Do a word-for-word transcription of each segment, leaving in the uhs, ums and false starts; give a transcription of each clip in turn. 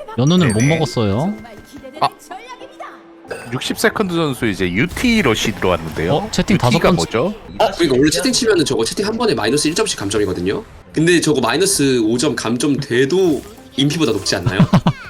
연우는 못 네네. 먹었어요. 아. 육십 세컨드 선수 이제 유티 러시 들어왔는데요. 어, 채팅 다섯 유티가 번 뭐죠? 어? 그러니까 원래 채팅 치면은 저거 채팅 한 번에 마이너스 일 점씩 감점이거든요? 근데 저거 마이너스 오 점 감점 돼도 인피보다 높지 않나요?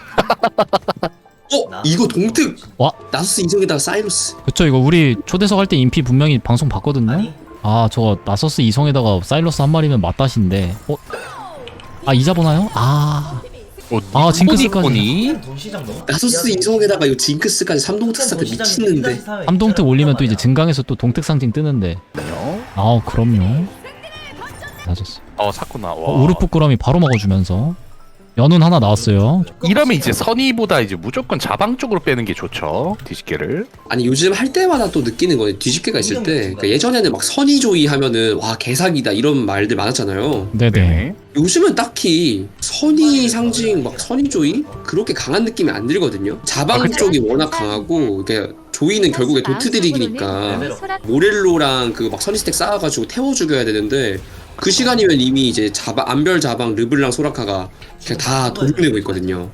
어? 이거 동특! 와. 나소스 이성에다가 사이로스. 그쵸, 이거 우리 초대석 할 때 인피 분명히 방송 봤거든요. 아니. 아, 저거 나서스 이성에다가 사일러스 한 마리면 맞다신데. 어? 아, 이자 보나요? 아, 어, 아, 징크스까지. 보니? 돈 시장 너무 나소스 이성에다가 이거 징크스까지 삼 동특 사태 미치는데. 삼동특 올리면 또 이제 증강에서 또 동특 상징 뜨는데. 아, 그럼요. 맞았어. 어 샀구나. 와. 어, 우르프꾸러미 바로 먹어주면서 연운 하나 나왔어요. 이러면 이제 선의보다 이제 무조건 자방 쪽으로 빼는 게 좋죠. 뒤집개를. 아니 요즘 할 때마다 또 느끼는 거는 뒤집개가 있을 때 그러니까 예전에는 막 선의조이 하면은 와 개사기다 이런 말들 많았잖아요. 네네. 요즘은 딱히 선의 상징 막 선의조이 그렇게 강한 느낌이 안 들거든요. 자방 아, 그쵸? 쪽이 워낙 강하고 이게 조이는 결국에 도트 딜이니까 모렐로랑 그 막 선의 스택 쌓아가지고 태워 죽여야 되는데 그 시간이면 이미 이제 자방 안별 자방 르블랑 소라카가 그냥 다 도륙내고 있거든요.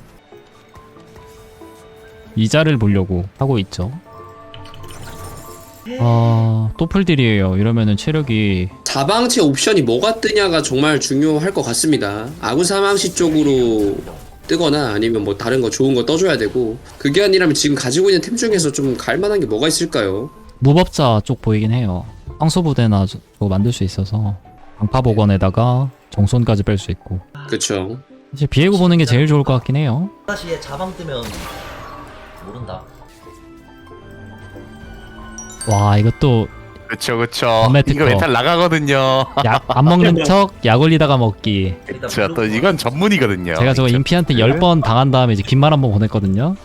이자를 보려고 하고 있죠. 아, 또 풀딜이에요. 이러면은 체력이 자방체 옵션이 뭐가 뜨냐가 정말 중요할 것 같습니다. 아군 사망시 쪽으로 뜨거나 아니면 뭐 다른 거 좋은 거 떠줘야 되고 그게 아니라면 지금 가지고 있는 템 중에서 좀 갈만한 게 뭐가 있을까요? 무법자 쪽 보이긴 해요. 황소부대나 저- 저거 만들 수 있어서 방파복원에다가 정손까지 뺄 수 있고. 그쵸. 이제 비에고 보는 게 제일 좋을 것 같긴 해요. 다시에 자방 뜨면 모른다. 와, 이것도 그쵸 그쵸. 밤에 이거 특허. 멘탈 나가거든요. 약 안 먹는 척 약 올리다가 먹기. 그쵸. 또 이건 전문이거든요. 제가 저거 그쵸. 인피한테 열 번 당한 다음에 이제 긴말 한번 보냈거든요.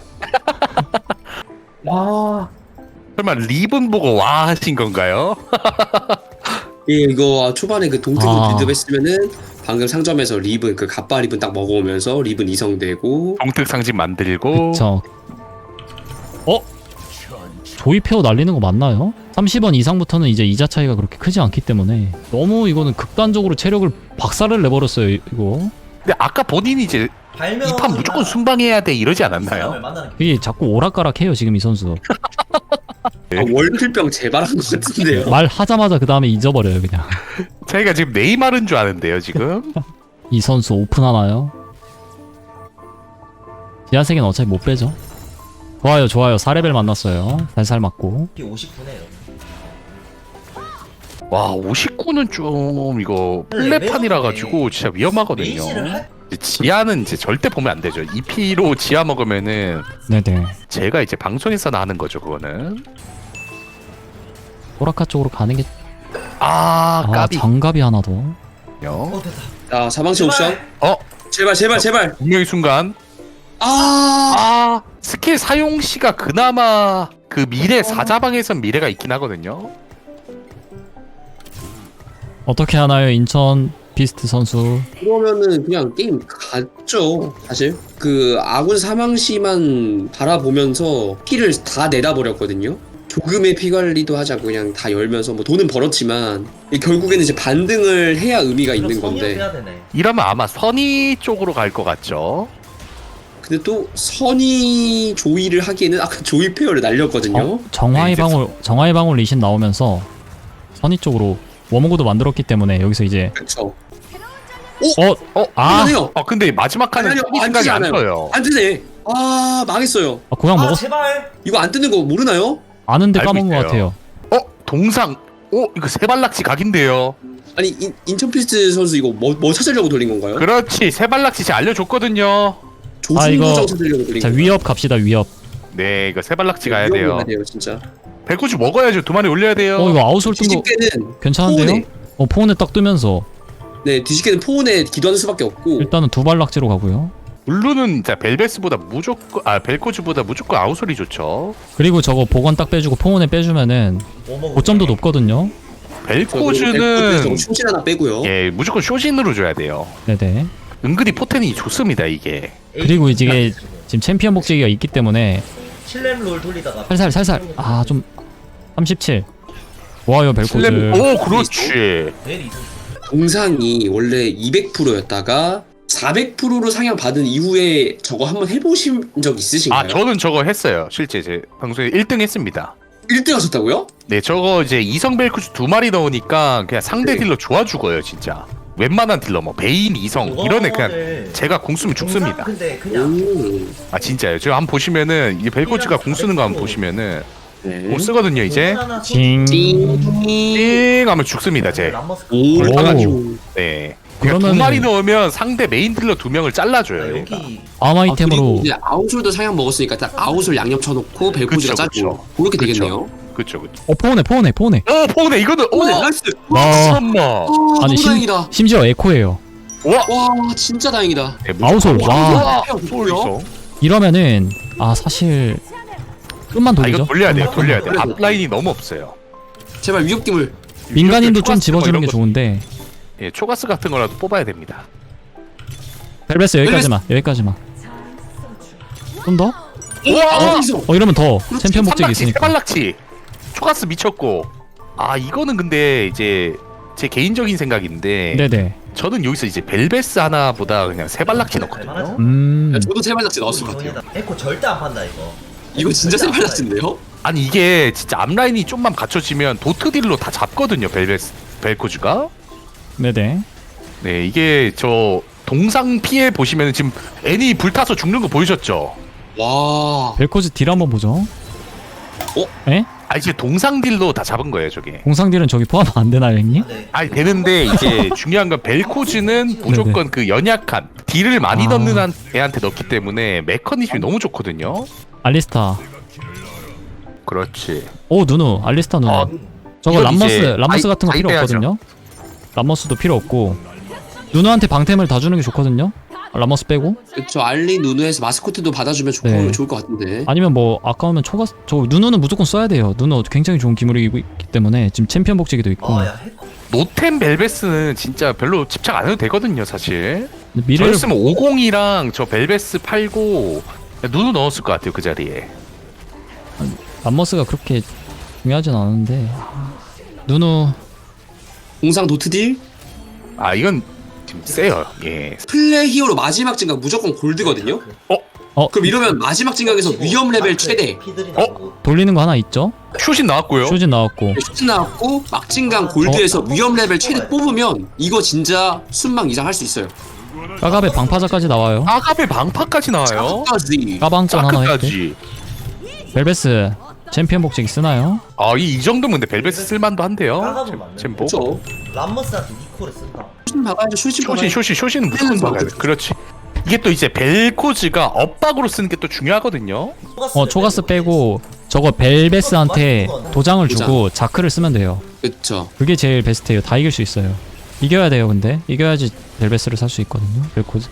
와. 설마 리본 보고 와 하신 건가요? 예, 이거 초반에 그 동특을 아. 빌드업 했으면은 방금 상점에서 리븐 그 갑바 리븐 딱 먹어오면서 리븐 이성되고 동특 상징 만들고. 그쵸. 어? 조이페어 날리는 거 맞나요? 삼십 원 이상부터는 이제 이자 차이가 그렇게 크지 않기 때문에 너무 이거는 극단적으로 체력을 박살을 내버렸어요, 이거. 근데 아까 본인이 이제 이 판 무조건 순방해야 돼 이러지 않았나요? 이게 자꾸 오락가락해요, 지금 이 선수. 아, 월클병 재발한 것 같은데요. 말하자마자 그 다음에 잊어버려요, 그냥. 저희가 지금 네이마르인 줄 아는데요 지금. 이 선수 오픈하나요? 지하세계는 어차피 못 빼죠. 좋아요, 좋아요. 사 레벨 만났어요. 살살 맞고. 오십구네요. 와 오십구는 좀 이거 플랫판이라 가지고 진짜 위험하거든요. 이제 지하는 이제 절대 보면 안 되죠. 이피로 지하 먹으면은 네네. 제가 이제 방송에서 나는 거죠 그거는. 오라카 쪽으로 가는 게. 아 아, 까비. 장갑이 하나 더. 어 됐다. 자, 사망체 옵션. 어 제발, 제발, 제발. 분명히 순간. 아, 아 스킬 사용 시가 그나마 그 미래 사자방에선 미래가 있긴 하거든요. 어떻게 하나요, 인천 비스트 선수? 그러면은 그냥 게임 갔죠. 사실 그 아군 사망시만 바라보면서 피를 다 내다 버렸거든요. 조금의 피 관리도 하자고 그냥 다 열면서 뭐 돈은 벌었지만 결국에는 이제 반등을 해야 의미가 있는 건데. 해야 되네. 이러면 아마 선의 쪽으로 갈 것 같죠. 근데 또 선의 조이를 하기에는 아까 조이 페어를 날렸거든요. 어, 정화의 네, 이제 방울, 정화의 방울 리신 나오면서 선의 쪽으로 워머고도 만들었기 때문에 여기서 이제 그렇죠. 어, 어, 아, 해요. 어 근데 마지막 칸은 아니요, 선의 안 생각이 뜨지 안 않아요. 떠요. 안 뜨네. 아, 망했어요. 아 고양 아 먹었, 제발. 이거 안 뜨는 거 모르나요? 아는데 알고 까먹은 것 있어요. 같아요. 어 동상. 어 이거 세발낙지 각인데요. 아니 인, 인천피스트 선수 이거 뭐, 뭐 찾으려고 돌린 건가요? 그렇지 세발낙지 제가 알려줬거든요. 아, 이거- 조승조정 찾으려고 돌린 자, 건가요? 위협 갑시다, 위협. 네 이거 세발낙지 가야 위협을 돼요. 가야 돼요 진짜. 백구주 먹어야죠. 두 마리 올려야 돼요. 어, 이거 아웃솔 뜬 거 뒤집개는 괜찮은데요? 포온에, 어, 포온에 딱 뜨면서 네 뒤집개는 포온에 기도하는 수밖에 없고 일단은 두발 낙지로 가고요. 블루는 진짜 벨베스보다 무조건 아 벨코즈보다 무조건 아웃솔이 좋죠. 그리고 저거 보건 딱 빼주고 포온에 빼주면은 고점도 높거든요. 벨코즈는 저거 충신 하나 빼고요. 예 무조건 쇼진으로 줘야 돼요. 네네. 은근히 포텐이 좋습니다 이게. 그리고 이게 지금 챔피언 복제기가 있기 때문에 칠렘 롤 돌리다가 살살 살살 아 좀 삼십칠. 좋아요, 벨코즈. 슬램- 오 그렇지. 내일 이승. 동상이 원래 이백 퍼센트였다가 사백 퍼센트로 상향 받은 이후에 저거 한번 해보신 적 있으신가요? 아 저는 저거 했어요. 실제 제 방송에 일 등 했습니다. 일 등 하셨다고요? 네 저거 이제 이성 벨코즈 두 마리 넣으니까 그냥 상대 네. 딜러 좋아 죽어요 진짜. 웬만한 딜러 뭐 베인, 이성 이런 애 그냥 그거를 제가 공 쓰면 죽습니다. 공상 근데 그냥 오. 아 진짜요. 지금 한번 보시면은 이게 벨코즈가 공 쓰는 거 한번 보시면은 네. 공 쓰거든요 이제. 공 하나 징. 띵. 띵 하면 죽습니다 제. 람머스 오. 불타가지고. 네. 그러니까 두 그러면은- 마리 넣으면 상대 메인 딜러 두 명을 잘라줘요. 얘가. 여기 암 아, 아이템으로 그리고 이제 아웃솔도 상향 먹었으니까 딱 아웃솔 양념 쳐놓고 벨코즈가 그쵸, 짜고 그렇게 그쵸. 되겠네요. 그쵸 그쵸. 어 포네 포네 포네. 어 포네 이거는 오, 네, 오 나이스. 와. 엄마. 아, 아니 너무 심, 다행이다. 심지어 에코예요. 와. 와, 진짜 다행이다. 아웃솔, 와. 와. 와. 소울 있어. 이러면은 아 사실 끝만 아 돌리죠. 이거 돌려야 돼요. 음. 돌려야 돼. 앞라인이 너무 없어요. 제발 위협기물. 민간인도 좀 초가스 집어주는 뭐 게 이런 거- 좋은데. 예, 초가스 같은 거라도 뽑아야 됩니다. 벨베스 여기까지만 여기까지만. 좀 더? 우와! 어디서? 어 이러면 더 챔피언 목적이 삼락치, 있으니까. 세발락치. 초가스 미쳤고. 아 이거는 근데 이제 제 개인적인 생각인데 네네. 저는 여기서 이제 벨베스 하나보다 그냥 세발락치 넣거든요. 음. 야, 저도 세발낙지 넣었을 것 같아요. 에코 절대 안 판다 이거. 이거 진짜 세발낙지인데요? 아니 이게 진짜 앞라인이 좀만 갖춰지면 도트 딜로 다 잡거든요. 벨베스 벨코즈가. 네네. 네 이게 저 동상 피해 보시면 지금 애니 불타서 죽는 거 보이셨죠? 와. 벨코즈 딜 한번 보죠. 어? 에? 아 이제 동상 딜로 다 잡은 거예요 저게. 공상 딜은 저기 포함 안 되나요, 형님? 네. 아니 되는데 이제 중요한 건 벨코즈는 무조건 그 연약한 딜을 많이 아. 넣는 한- 애한테 넣기 때문에 메커니즘이 너무 좋거든요. 알리스타. 그렇지. 오 누누. 알리스타 누누. 어, 저거 이건 람머스 이제 람머스 아이- 같은 거 필요 아이패야죠. 없거든요. 람머스도 필요 없고 누누한테 방템을 다 주는 게 좋거든요. 람머스 빼고 그쵸. 알리 누누에서 마스코트도 받아주면 좋, 네. 좋을 것 같은데. 아니면 뭐 아까우면 초가 저 누누는 무조건 써야 돼요. 누누 굉장히 좋은 기물이기 때문에 지금 챔피언 복제기도 있고 아야 에코. 노템 벨베스는 진짜 별로 집착 안 해도 되거든요 사실. 미래를 저였으면 오십이랑 저 벨베스 팔고 누누 넣었을 것 같아요 그 자리에. 람머스가 그렇게 중요하진 않은데 누누 공상 도트딜? 아 이건 지금 세요. 예. 플레 히어로 마지막 증강 무조건 골드거든요? 어? 어? 그럼 이러면 마지막 증강에서 위험 레벨 최대. 피들이 어? 나오고. 돌리는 거 하나 있죠? 슛이 나왔고요. 쇼진 나왔고 슈트 나왔고 막진강 골드에서 위험 레벨 최대 뽑으면 이거 진짜 순망 이상 할 수 있어요. 까갑에 방파자까지 나와요. 아갑의 방파까지 나와요. 까지. 까방권 하나 했대. 짜크까지. 벨베스 챔피언 복제기 쓰나요? 아이 이 정도면 근데 벨베스 쓸만도 한데요. 까갑은 맞네. 챔보. 그쵸. 람머스한테 니코를 쓴다. 슈트 박아야죠. 슈트 쇼신 박아야죠. 쇼신 쇼신은 무조건 헬멧 막아야 돼. 그렇지. 이게 또 이제 벨코즈가 엇박으로 쓰는 게 또 중요하거든요. 어 초가스 빼고 저거 벨베스한테 도장을 주고 자크를 쓰면 돼요. 그쵸. 그게 제일 베스트예요. 다 이길 수 있어요. 이겨야 돼요 근데 이겨야지 벨베스를 살 수 있거든요. 벨코즈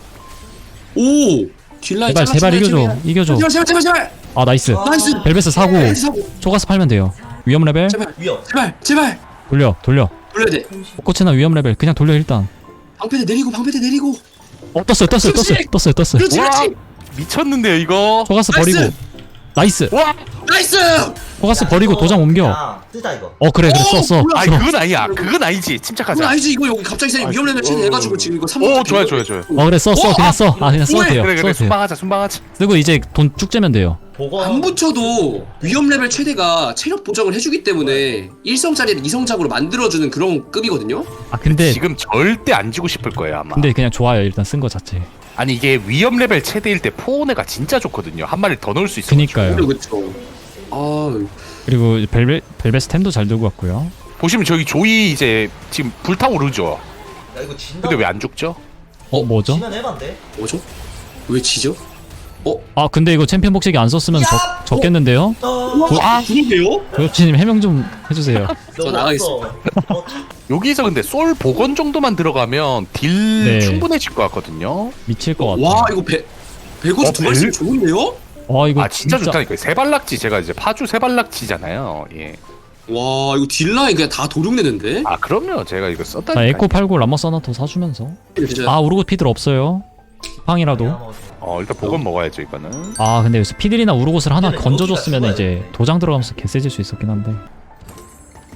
오! 딜라인 제발 제발 이겨줘 이겨줘. 제발 제발 제발 제발! 아 나이스. 나이스! 벨베스 사고 나이스 사고! 초가스 팔면 돼요. 위험 레벨 제발 위협. 제발 제발! 돌려 돌려. 돌려야 돼. 꽃이나 위험 레벨 그냥 돌려 일단. 방패대 내리고 방패대 내리고 어 떴어요 떴어요 떴어요 떴어요 떴어요. 그렇지 와 그렇지! 미쳤는데요 이거. 초가스 나이스! 버리고 나이스. 와. 나이스! 초가스 버리고 도장 옮겨. 야, 쓰자 이거. 어 그래 그래 오, 써써 몰라. 아니 그건 아니야. 그건 아니지. 그건 침착하자. 아니지 이거 여기 갑자기 생긴 위험 레벨 최대 해가지고 지금 이거 삼 오 좋아요 좋아요 좋아요. 어 그래 써 써 오, 그냥 아, 써. 아 그냥 써도 그래, 돼요. 그래 써도 그래 돼요. 순방하자 순방하자. 쓰고 이제 돈 쭉 재면 돼요. 보건. 안 붙여도 위험 레벨 최대가 체력 보정을 해주기 때문에 일성짜리를 이성작으로 만들어주는 그런 급이거든요? 아 근데 지금 절대 안 지고 싶을 거예요 아마. 근데 그냥 좋아요 일단 쓴 거 자체. 아니 이게 위험 레벨 최대일 때 포온에가 진짜 좋거든요. 한 마리 더 넣을 수 있어. 그니까요. 그쵸. 아, 그리고 벨베 벨베스 템도 잘 들고 왔고요. 보시면 저기 조이 이제 지금 불타오르죠. 야 이거 진다. 근데 왜 안 죽죠? 어 뭐죠? 지면 해반데. 뭐죠? 왜 지죠? 어? 아 근데 이거 챔피언 복식이 안 썼으면 야! 적, 적겠는데요? 어. 아, 그러게요? 고엽진님 해명 좀 해주세요. 저 나가겠습니다. 어, 여기서 근데 솔 복원 정도만 들어가면 딜 네. 충분해질 것 같거든요. 미칠 것 같아. 와, 이거 배, 배고수 어, 두 마리 벨? 좋은데요? 와 이거 아 진짜, 좋다니까요. 세발낙지 제가 이제 파주 세발낙지잖아요. 예. 와, 이거 딜라인 그냥 다 도륙내는데? 아 그럼요. 제가 이거 자, 썼다니까. 에코 팔고 라머스 하나 더 사주면서. 진짜. 아 우르고 피들 없어요. 팡이라도. 어 일단 복원 먹어야죠 이거는. 아 근데 여기서 피들이나 우르고스를 하나 근데 건져줬으면 여기가 이제 도장 들어가면서 개세질 수 있었긴 한데.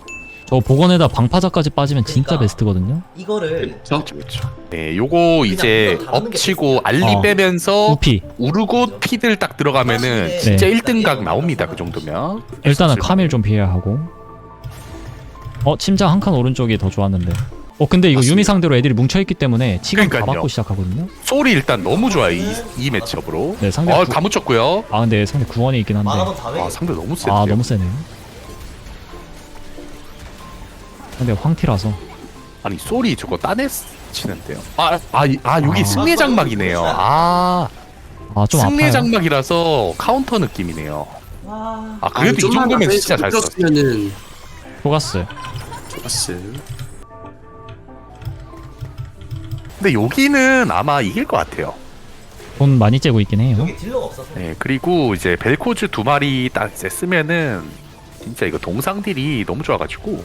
저 복원에다 방파자까지 빠지면 진짜 그러니까. 베스트거든요. 이거를 저 그렇죠. 네, 요거 이제 이걸 다루는 게 엎치고 알리 어. 빼면서 우피 우르고 피들 딱 들어가면은 네. 진짜 일 등 각 나옵니다. 그 정도면. 일단은 카밀 좀 피해야 하고. 어 침장 한 칸 오른쪽이 더 좋았는데. 어 근데 이거 맞습니다. 유미 상대로 애들이 뭉쳐있기 때문에 치감 다 그러니까요. 받고 시작하거든요. 소리 일단 너무 좋아요. 이, 이 매치업으로. 네 상대 어, 구... 다 묻혔고요. 아 근데 상대 구원이 있긴 한데. 만화번 다 왜? 아, 상대 너무 센데요. 아 너무 세네요. 근데 황티라서. 아니, 소리 저거 따내 치는데요. 아, 아, 이- 아 여기 아. 승리 장막이네요. 아, 아 좀 승리 아파요. 장막이라서 카운터 느낌이네요. 와. 아, 그래도 이 정도면 진짜 잘 썼어. 썼으면은 속았어요. 좋았어. 근데 여기는 아마 이길 것 같아요. 돈 많이 째고 있긴 해요. 여기 딜러가 없어서. 네, 그리고 이제 벨코즈 두 마리 딱 이제 쓰면은 진짜 이거 동상 딜이 너무 좋아가지고.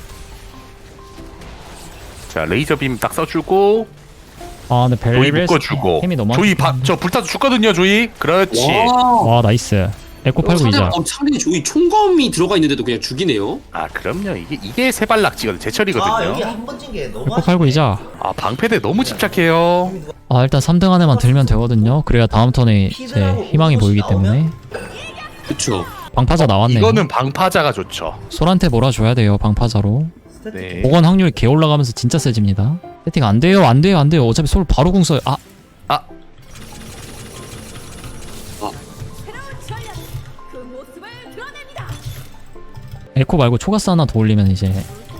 자, 레이저 빔 딱 써주고 아 근데 조이 벨벳 묶어주고 힘이 너무 조이 안 바, 저 불타서 죽거든요. 조이. 그렇지. 와. 와 나이스. 에코 팔고 상대, 이자. 어, 상대 조이 총검이 들어가 있는데도 그냥 죽이네요. 아, 그럼요. 이게 이게 세발낙지거든. 제철이거든요. 아 여기 한 번 찐 게 너무. 에코 팔고 이자. 아, 방패대 너무 집착해요. 아 일단 삼 등 안에만 들면 되거든요. 그래야 다음 턴에 이제 희망이 보이기 때문에. 그쵸. 방파자 나왔네요. 이거는 방파자가 좋죠. 솔한테 몰아줘야 돼요 방파자로. 네. 복원 확률이 개 올라가면서 진짜 세집니다. 세팅 안 돼요 안 돼요 안 돼요. 어차피 솔 바로 궁 써요. 아 그 모습을 드러냅니다. 에코 말고 초가스 하나 더 올리면 이제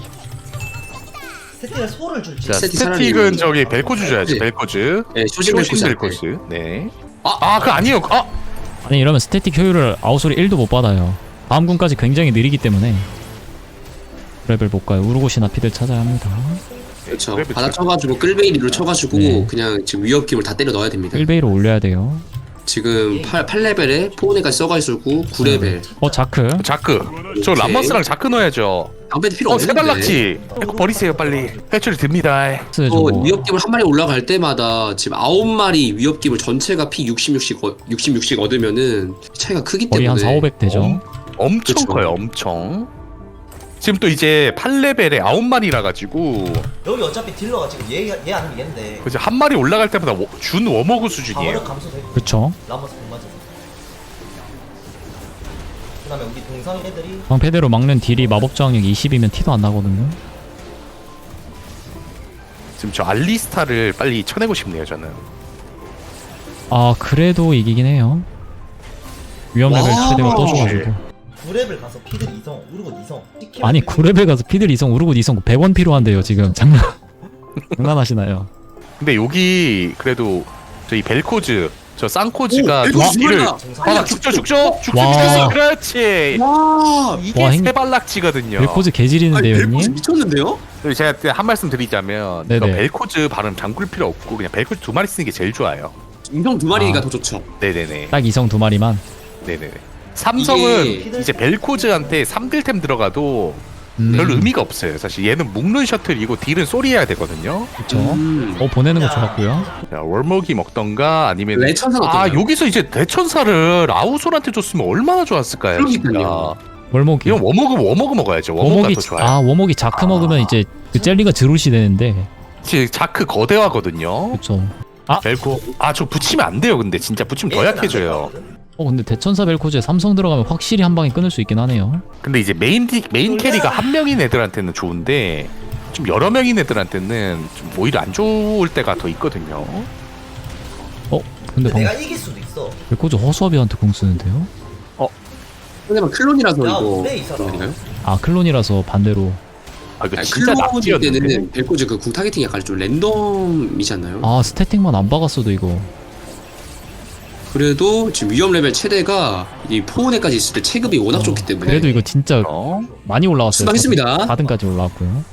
세팅에 소를 줄지. 자, 세팅 스태틱은 차라리- 저기 벨코즈 줘야지. 네. 벨코즈. 네, 쇼신 쇼신 벨코즈. 벨코즈. 네. 아, 아, 그거 아니에요. 아, 아니 이러면 스태틱 효율을 아웃솔이 일도 못 받아요. 다음 궁까지 굉장히 느리기 때문에 레벨 못 가요. 우르고시나 피들 찾아야 합니다. 그렇죠. 그래, 그치. 받아 쳐가지고 끌베이리로 쳐가지고 네. 그냥 지금 위협kim을 다 때려 넣어야 됩니다. 일 베이로 올려야 돼요. 지금 팔, 팔 레벨에 포네까지 써가 있었고 구 레벨. 어 자크. 자크. 저 오케이. 람머스랑 자크 넣어야죠. 방패도 필요 어, 없는데. 세발낙지. 이거 버리세요, 빨리. 회출이 듭니다. 스 어, 저거 위협kim을 한 마리 올라갈 때마다 지금 아홉 마리 위협kim을 전체가 피 육십, 육십, 어, 육십, 육씩 얻으면은 차이가 크기 거의 때문에. 한 사오백 되죠. 엄, 엄청 그쵸. 커요, 엄청. 지금 또 이제 팔 레벨에 아홉 마리라 가지고 여기 어차피 딜러가 지금 얘얘 아니면 얘인데. 그죠 한 마리 올라갈 때마다 워- 준 워머그 방어력 수준이에요. 감소되고. 그쵸. 라머스 못 맞아. 그다음에 우리 동상 애들이 방패대로 막는 딜이 마법 저항력 이십이면 티도 안 나거든요. 지금 저 알리스타를 빨리 쳐내고 싶네요, 저는. 아 그래도 이기긴 해요. 위험 레벨 와. 최대가 떠줘가지고. 구 레벨 가서 피들 이성, 우르고 이성. 시키면 아니 되고. 구 레벨 가서 피들 이성 우르고 이성 백 원 필요한데요 지금. 장난 장난하시나요? 근데 여기 그래도 저희 벨코즈 저 쌍코즈가 오, 두 벨코즈 딜을 죽는다. 아, 죽죠, 죽죠, 죽죠, 와. 죽죠. 그렇지. 와, 이게 와, 행- 세발낙지거든요. 벨코즈 아니, 개질이는데요 벨코즈 형님? 미쳤는데요? 그리고 제가 그때 한 말씀 드리자면 네네. 그 벨코즈 발음 잠글 필요 없고 그냥 벨코즈 두 마리 쓰는 게 제일 좋아요. 인성 두 마리가 아. 더 좋죠. 네네네. 딱 이성 두 마리만. 네네네. 삼성은 이게- 이제 벨코즈한테 삼 딜템 들어가도 음, 별 의미가 없어요. 사실 얘는 묶는 셔틀이고 딜은 소리해야 되거든요. 그쵸. 음. 어 보내는 거 야. 좋았고요. 자, 월먹이 먹던가 아니면 레천사는 아 어떤가요? 여기서 이제 대천사를 아우솔한테 줬으면 얼마나 좋았을까요? 그러니까요. 진짜. 월목이. 이건 워먹은 워먹 먹어야죠. 워먹가 워목이 더 좋아요. 아 워목이 자크 먹으면 이제 그 젤리가 드루시 되는데. 지 자크 거대화거든요. 그쵸. 벨코 아 저 붙이면 안 돼요. 근데 진짜 붙이면 더 얘는 안 약해져요. 됐거든. 어 근데 대천사 벨코즈에 삼성 들어가면 확실히 한 방에 끊을 수 있긴 하네요. 근데 이제 메인 디, 메인 캐리가 한 명인 애들한테는 좋은데 좀 여러 명인 애들한테는 좀 오히려 안 좋을 때가 더 있거든요. 어 근데 근데 방 내가 이길 수도 있어. 벨코즈 허수아비한테 공 쓰는데요? 상대방 클론이라서 야, 이거 근데 이 사람. 아닌가요? 아 클론이라서 반대로. 아 이거 아니, 진짜 클론 낙지였는데. 때는 벨코즈 그 궁 타겟팅이 약간 좀 랜덤이지 않나요? 아 스태틱만 안 박았어도 이거. 그래도 지금 위험 레벨 최대가 이 포온에까지 있을 때 체급이 워낙 어, 좋기 때문에 그래도 이거 진짜 어? 많이 올라왔어요. 수고하셨습니다. 사 등까지 올라왔고요.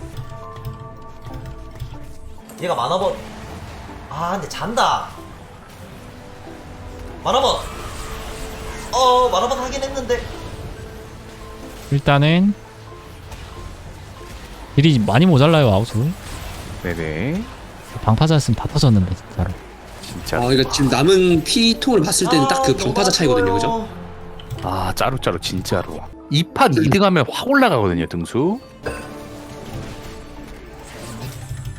얘가 만화번. 아 근데 잔다. 만화번. 어 만화번 하긴 했는데. 일단은 딜이 많이 모자라요 아웃솔. 네네. 방파자였으면 다 터졌는데 진짜로. 진짜. 아 이거 지금 남은 피통을 봤을 때는 딱 그 방파자 차이거든요, 그죠? 아 짜루짜루 진짜로. 이 판 이 등 하면 확 올라가거든요 등수.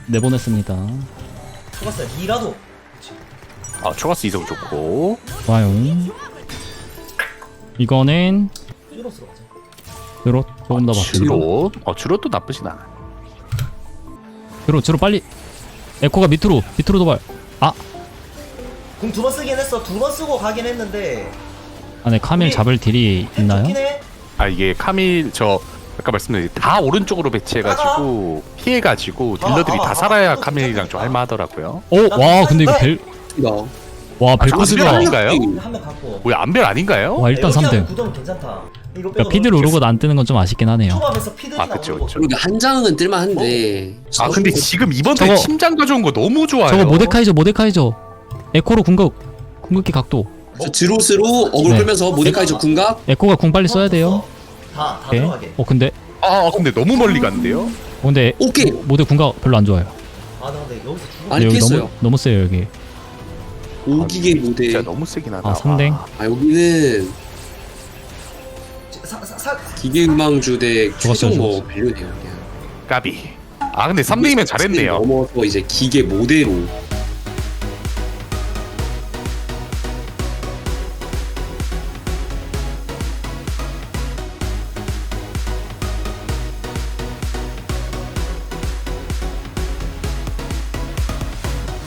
내보냈습니다. 초가스 이라도. 그치. 아 초가스 이성 좋고. 좋아요. 이거는 쭈로스로 가자. 드로 조금 더 맞추고. 주로. 어 주로도 나쁘진 않아. 드로 드로 빨리. 에코가 밑으로 밑으로 도발. 아 공 두 번 쓰긴 했어. 두 번 쓰고 가긴 했는데. 안에 카밀 우리- 잡을 딜이 있나요? 좋긴 해. 아 이게 카밀 저 아까 말씀드린 다 오른쪽으로 배치해가지고 피해가지고 딜러들이 아, 아, 다 아, 살아야 아, 카밀이랑 아, 좀 아. 할만하더라고요. 어, 와 근데 이거 벨, 나. 와 아, 벨코스가 저거 아닌가요? 한 명 갖고. 뭐야 안벨 아닌가요? 와 일단 삼 등. 구점 괜찮다. 이거 그러니까 피들 오르고 안 뜨는 건 좀 아쉽긴 하네요. 초밥에서 피들이 아, 그쵸, 나오고. 그쵸. 그러니까 한 장은 뜰만한데. 아 근데 지금 이번 저거- 달 침장 가져온 거 너무 좋아요. 저거 모데카이저 모데카이저 에코로 궁극 궁극기 각도. 저 드로스로 어글 네. 끌면서 모데카이저 궁각. 에코가 궁 빨리 써야 돼요. 다다 오케이. 들어가게. 어 근데 아 근데 너무 멀리 갔는데요? 어, 근데 오케이. 모데 궁각 별로 안 좋아요. 아, 나 근데 여기서 죽어. 아니, 근데 여기 깼어요. 너무 너무 세요 여기. 오기계 모델. 진짜 너무 세긴 하다. 아 삼 댕. 아 여기는 사, 사, 사, 기계 음망주 대 좋았어요, 최종 뭐 좋았어요. 밸류네요. 그냥. 까비. 아 근데 삼 등이면 잘했네요. 넘어서 이제 기계 모델로